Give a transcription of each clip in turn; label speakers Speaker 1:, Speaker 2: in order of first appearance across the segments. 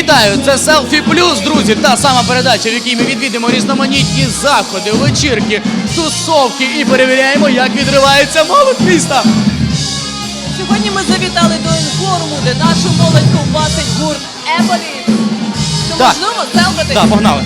Speaker 1: Вітаю! Це Селфі Плюс, друзі, та сама передача, в якій ми відвідимо різноманітні заходи, вечірки, тусовки і перевіряємо, як відривається молодь міста.
Speaker 2: Сьогодні ми завітали до інформу, де нашу молодь ковбасить гурт Еболіт. То можливо селфити?
Speaker 1: Так, погнали.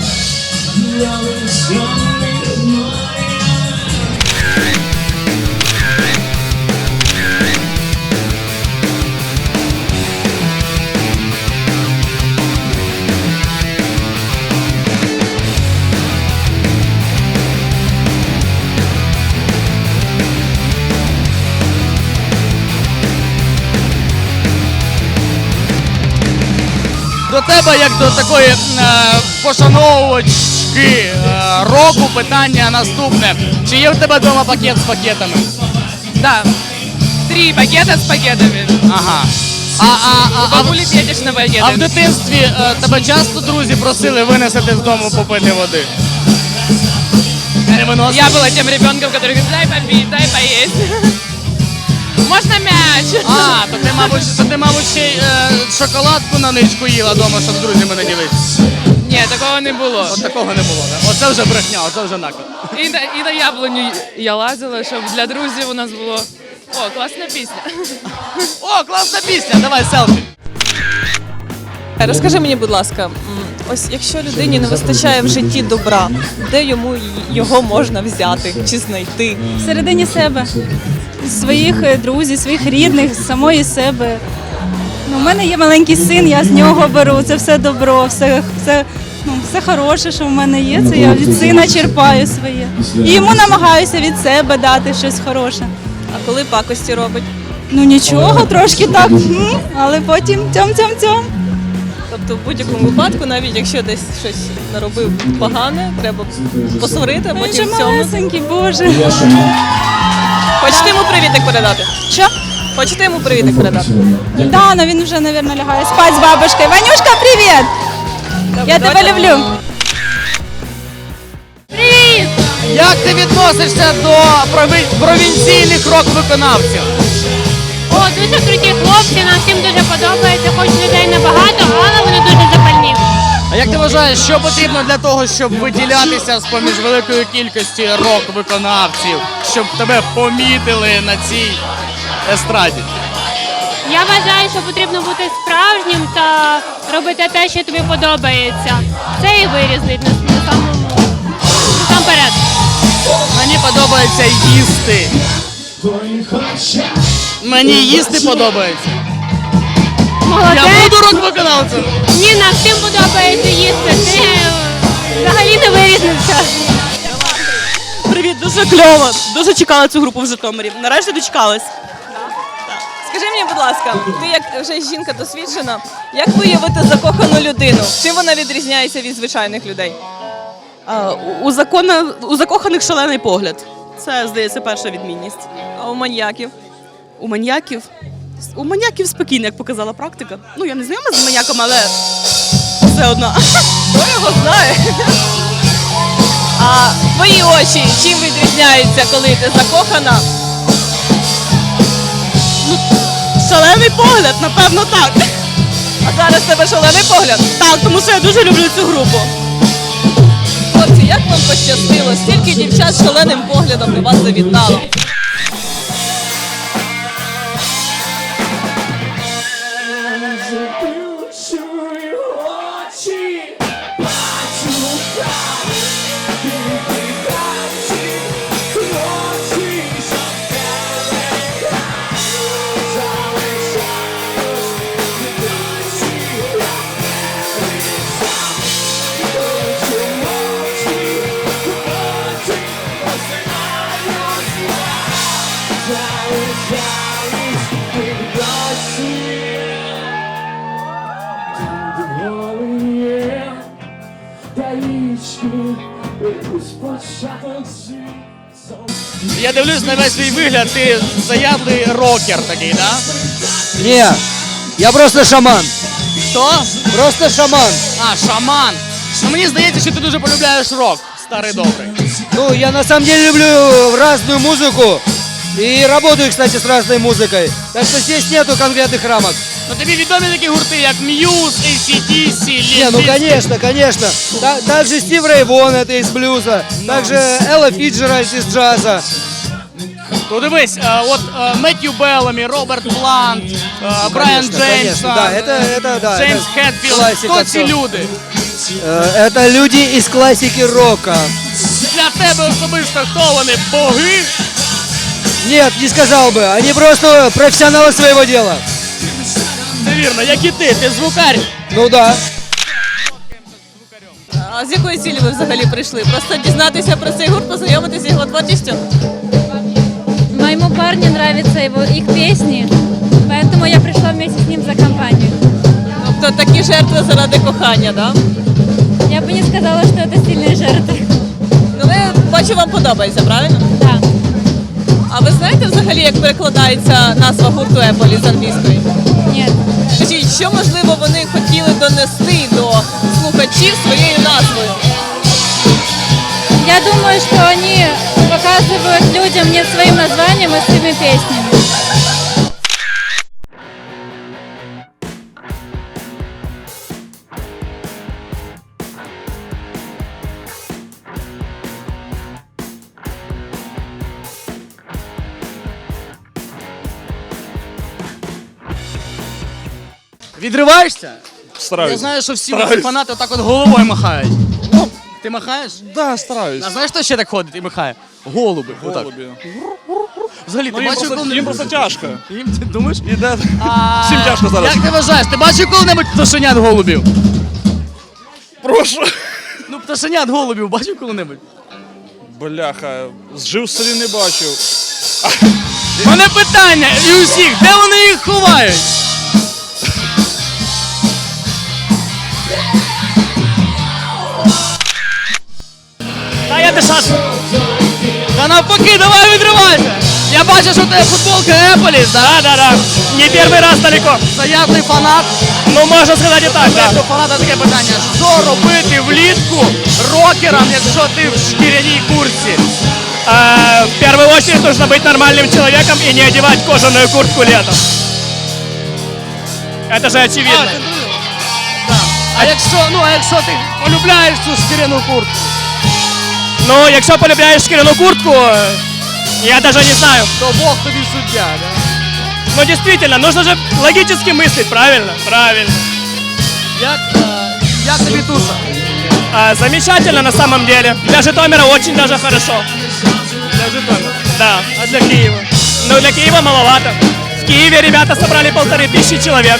Speaker 1: До тебе, як до такої пошановувачки року, питання наступне. Чи є в тебе вдома пакет з пакетами?
Speaker 2: Да. 3 пакета з пакетами.
Speaker 1: Ага.
Speaker 2: Бабулі п'єдеш на пакети.
Speaker 1: А в дитинстві тебе часто друзі просили винести з дому попити води? Не виносили?
Speaker 2: Я була тим ребенком, який говорить, дай попити, дай поїсти. Можна м'яч?
Speaker 1: То ти, мабуть, ще й шоколадку на ничку їла вдома, щоб з друзями не ділитися.
Speaker 2: Ні, такого не було.
Speaker 1: От такого не було, так? Оце вже брехня, оце вже наклад.
Speaker 2: І на яблуню я лазила, щоб для друзів у нас було. О, класна пісня.
Speaker 1: О, класна пісня, давай селфі.
Speaker 3: Розкажи мені, будь ласка, ось якщо людині не вистачає в житті добра, де йому його можна взяти чи знайти?
Speaker 4: Всередині себе, своїх друзів, своїх рідних, самої себе. У мене є маленький син, я з нього беру, це все добро, все хороше, що в мене є, це я від сина черпаю своє. І йому намагаюся від себе дати щось хороше.
Speaker 3: А коли пакості робить?
Speaker 4: Ну нічого, трошки так, але потім тьом-тьом-тьом.
Speaker 3: Тобто в будь-якому випадку, навіть якщо десь щось наробив погане, треба посварити, а
Speaker 4: Він
Speaker 3: потім
Speaker 4: же
Speaker 3: в цьому.
Speaker 4: малесенький, Боже.
Speaker 3: Хочете йому привітик передати?
Speaker 4: Що?
Speaker 3: Хочете йому привітик передати?
Speaker 4: Да, но він вже, мабуть, лягає спать з бабушкою. Ванюшка, привіт! Я тебе люблю.
Speaker 1: Привіт! Як ти відносишся до провінційних рок-виконавців?
Speaker 5: О, дуже круті хлопці, нам всім дуже подобається, хоч людей небагато, але вони дуже запальні.
Speaker 1: А як ти вважаєш, що потрібно для того, щоб виділятися з-поміж великої кількості рок-виконавців, щоб тебе помітили на цій естраді?
Speaker 5: Я вважаю, що потрібно бути справжнім та робити те, що тобі подобається. Це і вирізнить насамперед.
Speaker 1: Мені подобається їсти. Мені їсти подобається.
Speaker 5: Молодець.
Speaker 1: Я буду рок-виконавцем.
Speaker 5: Ні, нам всім подобається їсти. Ти взагалі не вирізнився.
Speaker 6: Привіт, дуже кльово. Дуже чекала цю групу в Житомирі. Нарешті дочекалась.
Speaker 3: Скажи мені, будь ласка, ти як вже жінка досвідчена, як виявити закохану людину? Чим вона відрізняється від звичайних людей?
Speaker 6: У закоханих шалений погляд. Це, здається, перша відмінність.
Speaker 3: А у маньяків?
Speaker 6: У маньяків? У маньяків спокійно, як показала практика. Ну, я не знайома з маньяком, але все одно.
Speaker 3: Хто його знає? А твої очі чим відрізняються, коли ти закохана?
Speaker 6: Шалений погляд, напевно, так.
Speaker 3: А зараз в тебе шалений погляд?
Speaker 6: Так, тому що я дуже люблю цю групу.
Speaker 3: Хлопці, як вам пощастило? Стільки дівчат з шаленим поглядом до вас завітало.
Speaker 1: Я дивлюсь на весь свій вигляд, ти заядлий рокер такий, так?
Speaker 7: Не, я просто шаман.
Speaker 1: Хто?
Speaker 7: Просто шаман.
Speaker 1: А, шаман. Ну мені здається, що ти дуже полюбляєш рок, старий добрий.
Speaker 7: Ну, я на самом деле люблю разную музыку. И работаю, кстати, с разной музыкой. Так что здесь нету конкретных рамок.
Speaker 1: Ну тобі відомі такі гурти, як Muse, AC/DC,
Speaker 7: Не, ну
Speaker 1: Limp Bizkit?
Speaker 7: конечно, конечно. Также Стив Рэй Вон, это из блюза. Также Элла Фиджеральд из джаза.
Speaker 1: Ну дивись, от Меттью Беллами, Роберт Плант, Брайан
Speaker 7: Конечно,
Speaker 1: Джеймс,
Speaker 7: конечно, да, это да,
Speaker 1: Джеймс
Speaker 7: это
Speaker 1: Хетфілд.
Speaker 7: классика
Speaker 1: Хто ці
Speaker 7: всё.
Speaker 1: люди?
Speaker 7: Это люди из классики рока.
Speaker 1: Для тебе особисто хто вони? Боги?
Speaker 7: Нет, не сказал бы. Они просто профессионалы своего дела.
Speaker 1: Це вірно, як і ти звукар.
Speaker 7: Ну да.
Speaker 2: А з якої цілі ви взагалі прийшли? Просто дізнатися про цей гурт, познайомитися з його творчістю?
Speaker 4: Моему парню нравятся их песни, поэтому я пришла вместе с ним за компанию.
Speaker 2: Тобто такі жертви заради кохання, да?
Speaker 4: Я бы не сказала, что это сильные жертвы.
Speaker 2: Ну, ви, бачу, вам подобається, правильно?
Speaker 4: Да.
Speaker 2: А ви знаєте взагалі, як перекладається назва гурту Еполі з англійської?
Speaker 4: Нет.
Speaker 2: Скажіть, що, можливо, вони хотіли донести до слухачів своєю назвою?
Speaker 4: Я думаю, что они показывают людям не своим названием, а своими песнями.
Speaker 1: Відриваєшся? Я
Speaker 8: Стараюсь.
Speaker 1: знаю, що всі ваші фанати отак от головою махають. Ти махаєш?
Speaker 8: Да, стараюсь.
Speaker 1: А знаєш, хто ще так ходить і махає? Голуби. Отак.
Speaker 8: Голубі.
Speaker 1: Взагалі, ти
Speaker 8: Ну, їм
Speaker 1: бачив
Speaker 8: просто,
Speaker 1: коли-небудь?
Speaker 8: їм просто тяжко.
Speaker 1: Їм, ти думаєш?
Speaker 8: Іде.
Speaker 1: А,
Speaker 8: Всім тяжко зараз.
Speaker 1: Як ти вважаєш, ти бачив коли-небудь пташенят голубів?
Speaker 8: Прошу.
Speaker 1: Ну, пташенят голубів бачив коли-небудь?
Speaker 8: Бляха, зжив в селі не бачив.
Speaker 1: У мене питання і усіх, де вони їх ховають?
Speaker 9: Та я дешат.
Speaker 1: Та навпаки, давай відривайся! Я бачу, що у тебе футболка Еполіс, да?
Speaker 9: Да. Не первый раз далеко.
Speaker 1: Заявний фанат.
Speaker 9: Ну, можно сказать и так,
Speaker 1: Знаєш,
Speaker 9: да.
Speaker 1: у фаната таке питання. Що робити влітку рокерам, якщо ти в шкіряній куртці?
Speaker 9: В первую очередь нужно быть нормальным человеком и не одевать кожаную куртку летом. Это же очевидно.
Speaker 1: А якщо ти полюбляєш цю шкіряну куртку?
Speaker 9: Ну, якщо полюбляєш шкіряну куртку, я даже не знаю.
Speaker 1: То Бог тобі суддя, да?
Speaker 9: Но действительно, нужно же логически мыслить, правильно? Правильно.
Speaker 1: Як тобі туша?
Speaker 9: Замечательно на самом деле. Для Житомира очень даже хорошо.
Speaker 1: Для Житомира.
Speaker 9: Да.
Speaker 1: А для Києва?
Speaker 9: Но для Киева маловато. В Киеве ребята собрали 1500 человек.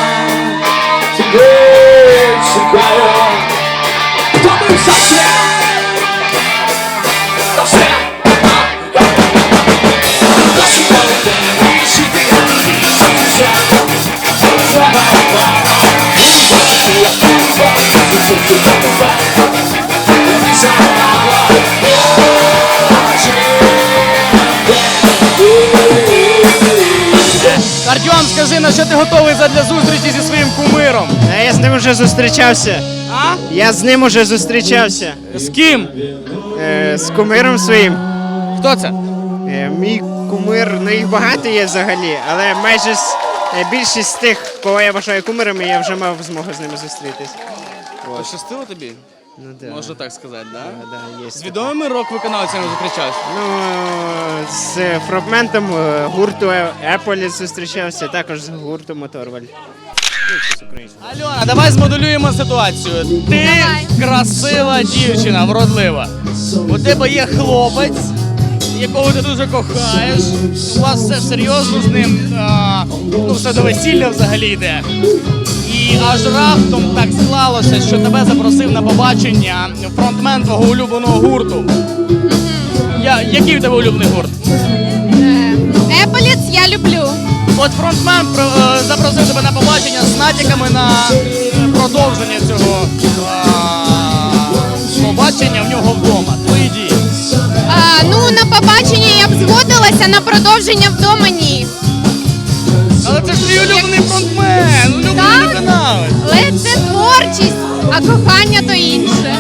Speaker 10: Хто був совсем
Speaker 1: Артем, скажи, на що ти готовий задля зустрічі зі своїм кумиром?
Speaker 10: Я з ним уже зустрічався.
Speaker 1: А?
Speaker 10: Я з ним уже зустрічався.
Speaker 1: З ким?
Speaker 10: З кумиром своїм.
Speaker 1: Хто це?
Speaker 10: Мій кумир, ну їх багато є взагалі, але майже більшість з тих, кого я вважаю кумирами, я вже мав змогу з ними зустрітись.
Speaker 1: Пощастило тобі?
Speaker 10: Ну, да.
Speaker 1: Можна так сказати, да?
Speaker 10: Да, є
Speaker 1: З відомими рок-виконавцями зустрічався?
Speaker 10: Ну, з фрагментом гурту Еполіт зустрічався, також з гуртом Моторваль.
Speaker 1: Альона, давай змоделюємо ситуацію. Ти красива дівчина, вродлива. У тебе є хлопець, якого ти дуже кохаєш. У вас все серйозно з ним, ну все до весілля взагалі йде. І аж раптом так склалося, що тебе запросив на побачення фронтмен твого улюбленого гурту. Який в тебе улюблений гурт?
Speaker 5: Еполіц я люблю.
Speaker 1: От фронтмен запросив тебе на побачення з натяками на продовження цього побачення в нього вдома. Твої дії.
Speaker 5: Ну, на побачення я б згодилася, на продовження вдома ні.
Speaker 1: Але це ж твій улюблений фронтмен, улюблений
Speaker 5: Так.
Speaker 1: виконавець.
Speaker 5: Але це творчість, а кохання то інше.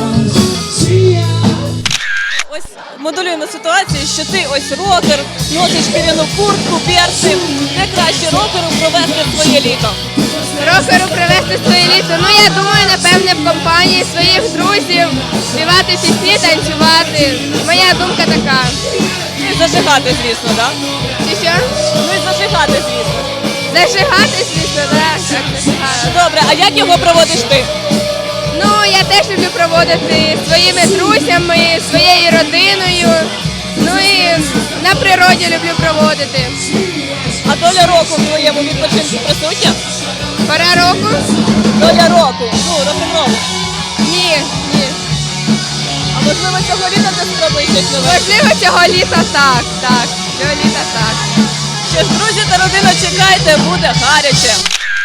Speaker 3: Ось моделюємо ситуацію, що ти ось рокер, носиш шкіряну куртку, перси. Де краще рокеру провести своє літо?
Speaker 5: Рокеру привезти своє літо. Ну, я думаю, напевне, в компанії своїх друзів співати пісні, танцювати. Моя думка така.
Speaker 3: Ну і зажигати, звісно, так?
Speaker 5: Чи що?
Speaker 3: Ну і зажигати, звісно.
Speaker 5: Зажигати, звісно, так, зажигати.
Speaker 3: Добре, а як його проводиш ти?
Speaker 5: Ну, я теж люблю проводити своїми друзями, своєю родиною. Ну і на природі люблю проводити.
Speaker 3: А доля року в твоєму відпочинку присутня?
Speaker 5: Пора року?
Speaker 3: Доля року, ну, рок-н-ролу.
Speaker 5: Ні, ні.
Speaker 3: А можливо цього літа ти спробуєш щось нове?
Speaker 5: Можливо, цього літа так, так. Цього літа так.
Speaker 3: Що ж, друзі та родина, чекайте, буде гаряче.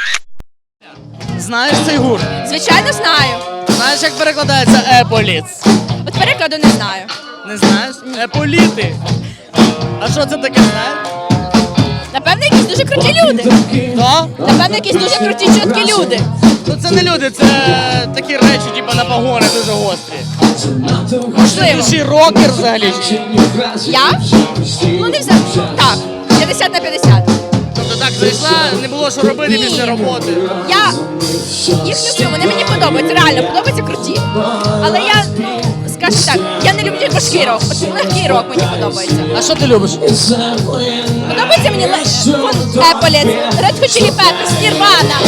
Speaker 1: Знаєш цей гурт?
Speaker 5: Звичайно, знаю.
Speaker 1: Знаєш, як перекладається Еполіц?
Speaker 5: От перекладу не знаю.
Speaker 1: Не знаєш? Еполіти. А що це таке, знаєш?
Speaker 5: Напевно, якісь дуже круті люди.
Speaker 1: То?
Speaker 5: Напевно, якісь дуже круті, чіткі люди.
Speaker 1: Ну це не люди, це такі речі, типу на погони дуже гострі.
Speaker 5: Можливо.
Speaker 1: Ти ще рокер взагалі.
Speaker 5: Я? Ну, не взагалі. Так, 50 на 50.
Speaker 1: Тобто так зайшла, не було що робити
Speaker 5: Ні.
Speaker 1: після роботи.
Speaker 5: Я їх люблю, вони мені подобаються, реально, подобаються круті. Але я, скажу так, я не люблю важкий рок, от легкий рок мені подобається.
Speaker 1: А що ти любиш?
Speaker 5: Подобається мені Еполіт, Red Hot Chili Peppers, Nirvana,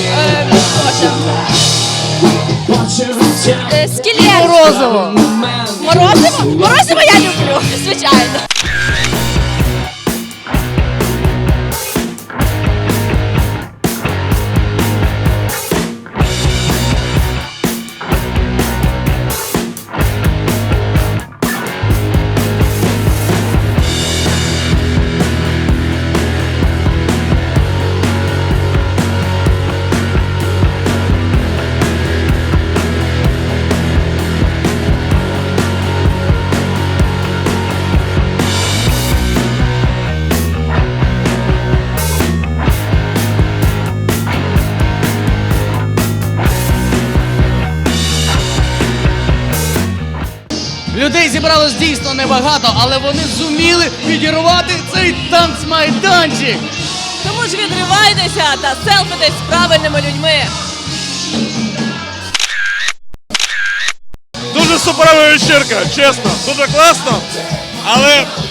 Speaker 5: Скелет.
Speaker 1: Морозиво.
Speaker 5: Морозиво? Морозиво я люблю, звичайно.
Speaker 1: Людей зібралось дійсно небагато, але вони зуміли відірвати цей танцмайданчик.
Speaker 3: Тому ж відривайтеся та селфитесь з правильними людьми.
Speaker 8: Дуже суперова вечірка, чесно, дуже класно. Але